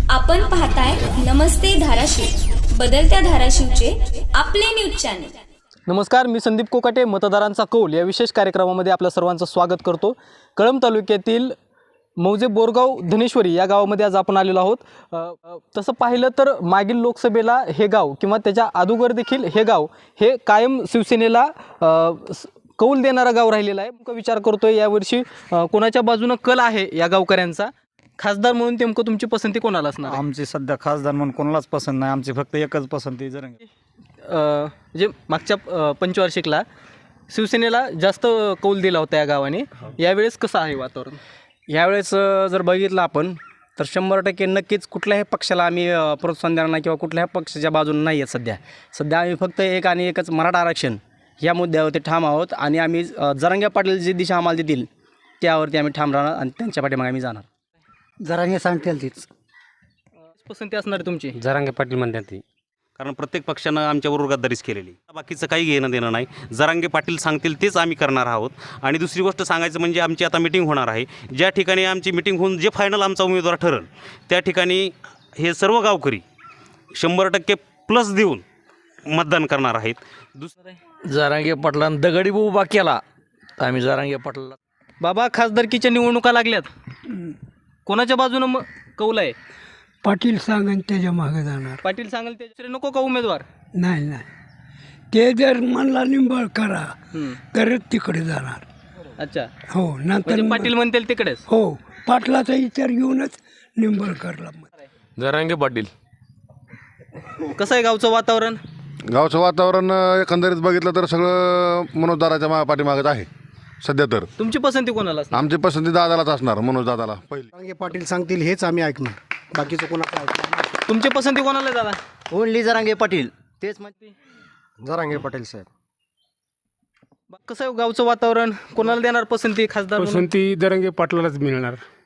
आपण पाहताय नमस्ते धाराशिव, बदलत्या धाराशिवचे आपले न्यूज चॅनल. नमस्कार, मी संदीप कोकाटे. मतदारांचा कौल या विशेष कार्यक्रमामध्ये आपल्या सर्वांचं स्वागत करतो. कळंब तालुक्यातील मौजे बोरगाव धनेश्वरी या गावामध्ये आज आपण आलेलो आहोत. तसं पाहिलं तर मागील लोकसभेला हे गाव किंवा त्याच्या अगोदर देखील हे गाव हे कायम शिवसेनेला कौल देणारा गाव राहिलेला आहे. विचार करतोय यावर्षी कोणाच्या बाजूनं कल आहे या गावकऱ्यांचा. खासदार म्हणून नेमकं तुमची पसंती कोणाला असणार? आमची सध्या खासदार म्हणून कोणालाच पसंत नाही. आमची फक्त एकच पसंती जरंगे. जे मागच्या पंचवार्षिकला शिवसेनेला जास्त कौल दिला होता या गावाने. यावेळेस कसं आहे वातावरण? यावेळेस जर बघितलं आपण तर 100% नक्कीच कुठल्याही पक्षाला आम्ही प्रोत्साहन देणार नाही किंवा कुठल्याही पक्षाच्या बाजूने नाही आहेत. सध्या आम्ही फक्त एक आणि एकच मराठा आरक्षण या मुद्द्यावरती ठाम आहोत आणि आम्ही जरांगे पाटील जी दिशा आम्हाला देतील त्यावरती आम्ही ठाम राहणार आणि त्यांच्या पाठीमागे आम्ही जाणार. जरांगे सांगतील तीच पसंती असणार तुमची? जरांगे पाटील म्हणतात ती. कारण प्रत्येक पक्षानं आमच्याबरोबर गद्दारीच केलेली. बाकीचं काही घेणं देणं नाही. जरांगे पाटील सांगतील तेच आम्ही करणार आहोत. आणि दुसरी गोष्ट सांगायचं म्हणजे आमची आता मिटिंग होणार आहे. ज्या ठिकाणी आमची मिटिंग होऊन जे फायनल आमचा उमेदवार ठरेल त्या ठिकाणी हे सर्व गावकरी 100% प्लस देऊन मतदान करणार आहेत. दुसरं जरांगे पाटलांना दगडी उभा केला तर आम्ही जरांगे पाटलाला. बाबा, खासदारकीच्या निवडणुका लागल्यात, कोणाच्या बाजूनं कौल आहे? पाटील सांगन त्याच्या मागे जाणार. पाटील सांगेल ते दुसरे नको का उमेदवार? नाही नाही, ते जर म्हणला निंबळ करा तरच तिकडे जाणार. अच्छा, हो, नंतर म्हणजे पाटील म्हणतील तिकडेच. हो, पाटलाचा विचार घेऊनच निंबळकरला. जरांगे पाटील. कसं आहे गावचं वातावरण? गावचं वातावरण एकंदरीत बघितलं तर सगळं मनोजदाराच्या पाठीमागत आहे सध्या. तर तुमची पसंती कोणाला असणार? आमची पसंती दादालाच असणार, मनोज दादाला पहिले. जरांगे पाटील सांगतील हेच आम्ही ऐकणार, बाकीचं कोणाचं ऐकणार. तुमची पसंती कोणाला दादा? ओनली जरांगे पाटील तेच म्हणते. जरांगे पाटील साहेब. कसं आहे गावचं वातावरण? कोणाला देणार पसंती खासदार म्हणून? पसंती जरांगे पाटलालाच मिळणार.